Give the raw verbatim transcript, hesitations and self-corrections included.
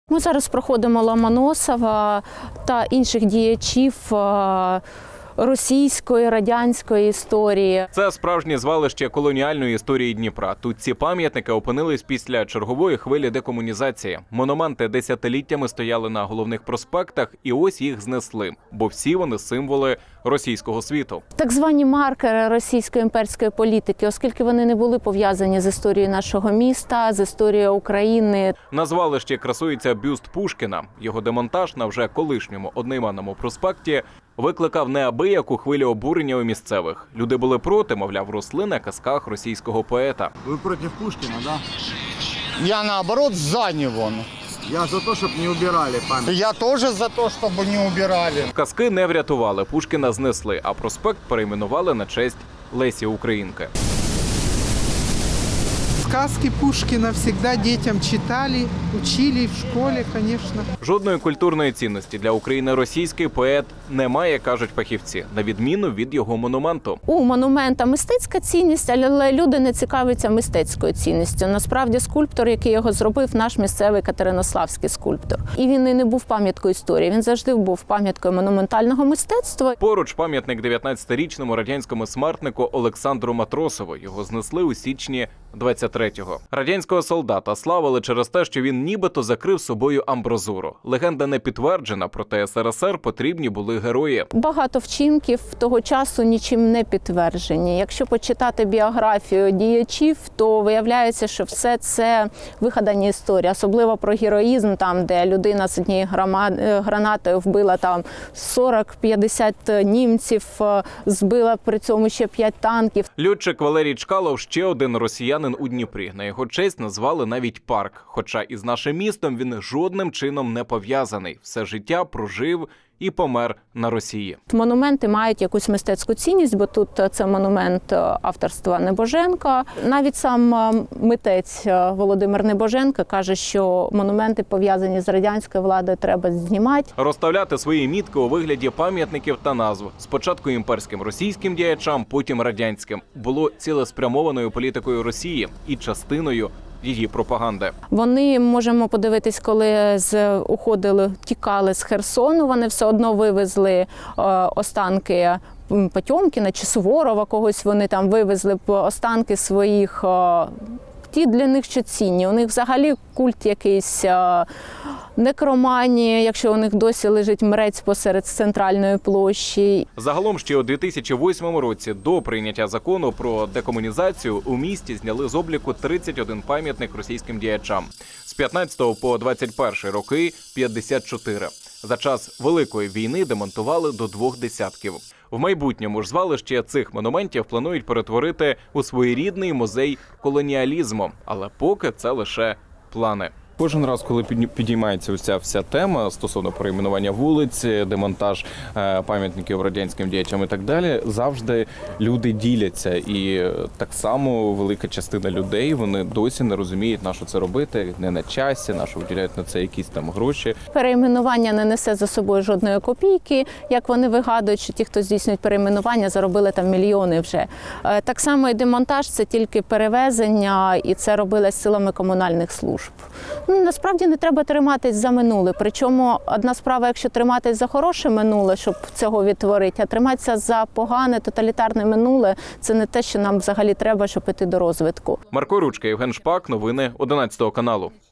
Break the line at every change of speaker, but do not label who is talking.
Ми зараз проходимо Ломоносова та інших діячів російської, радянської історії.
Це справжнє звалище колоніальної історії Дніпра. Тут ці пам'ятники опинились після чергової хвилі декомунізації. Монументи десятиліттями стояли на головних проспектах, і ось їх знесли, бо всі вони символи російського світу.
Так звані маркери російської імперської політики, оскільки вони не були пов'язані з історією нашого міста, з історією України.
На звалищі красується бюст Пушкіна. Його демонтаж на вже колишньому одноіменному проспекті викликав неабияку хвилю обурення у місцевих. Люди були проти, мовляв, росли на казках російського поета.
Ви проти Пушкіна, да?
Я, наоборот, за него.
Я за те, щоб не убирали пам'ятник.
Я тоже за то, чтобы не убирали.
Казки не врятували, Пушкіна знесли, а проспект перейменували на честь Лесі Українки.
Сказки Пушкина всегда детям читали, учили в школе, конечно.
Жодної культурної цінності для України російський поет не має, кажуть фахівці, на відміну від його монументу.
У монумента мистецька цінність, але люди не цікавляться мистецькою цінністю. Насправді скульптор, який його зробив, наш місцевий катеринославський скульптор. І він і не був пам'яткою історії, він завжди був пам'яткою монументального мистецтва.
Поруч пам'ятник дев'ятнадцятирічному радянському смертнику Олександру Матросову. Його знесли у січні двадцять третього. Радянського солдата славили через те, що він нібито закрив собою амбразуру. Легенда не підтверджена, проте ес ер ес ер потрібні були герої.
Багато вчинків того часу нічим не підтверджені. Якщо почитати біографію діячів, то виявляється, що все це вигадані історії. Особливо про героїзм, там, де людина з однією гранатою вбила там сорок-п'ятдесят німців, збила при цьому ще п'ять танків.
Льотчик Валерій Чкалов – ще один росіянин у Дніпрі. На його честь назвали навіть парк. Хоча із нашим містом він жодним чином не пов'язаний. Все життя прожив і помер на Росії.
Монументи мають якусь мистецьку цінність, бо тут це монумент авторства Небоженка. Навіть сам митець Володимир Небоженко каже, що монументи, пов'язані з радянською владою, треба знімати.
Розставляти свої мітки у вигляді пам'ятників та назв. Спочатку імперським російським діячам, потім радянським. Було цілеспрямованою політикою Росії і частиною її пропаганди.
Вони, можемо подивитись, коли з уходили, тікали з Херсону, вони все одно вивезли е, останки Потьомкіна чи Суворова, когось вони там вивезли останки своїх. Е, ті для них що цінні. У них взагалі культ якийсь е, некроманії, якщо у них досі лежить мрець посеред центральної площі.
Загалом ще у дві тисячі восьмому році до прийняття закону про декомунізацію у місті зняли з обліку тридцять один пам'ятник російським діячам. З п'ятнадцятого по двадцять перший роки – п'ятдесят чотири. За час Великої війни демонтували до двох десятків. В майбутньому ж звалище цих монументів планують перетворити у своєрідний музей колоніалізму. Але поки це лише плани.
Кожен раз, коли підіймається ось ця вся тема стосовно перейменування вулиць, демонтаж пам'ятників радянським діячам і так далі, завжди люди діляться. І так само велика частина людей, вони досі не розуміють, на що це робити, не на часі, на що виділяють на це якісь там гроші.
Перейменування не несе за собою жодної копійки. Як вони вигадують, що ті, хто здійснюють перейменування, заробили там мільйони вже. Так само і демонтаж – це тільки перевезення, і це робилось силами комунальних служб. Насправді не треба триматись за минуле. Причому одна справа, якщо триматись за хороше минуле, щоб цього відтворити, а триматися за погане, тоталітарне минуле – це не те, що нам взагалі треба, щоб іти до розвитку.
Марко Ручка, Євген Шпак, новини одинадцятого каналу.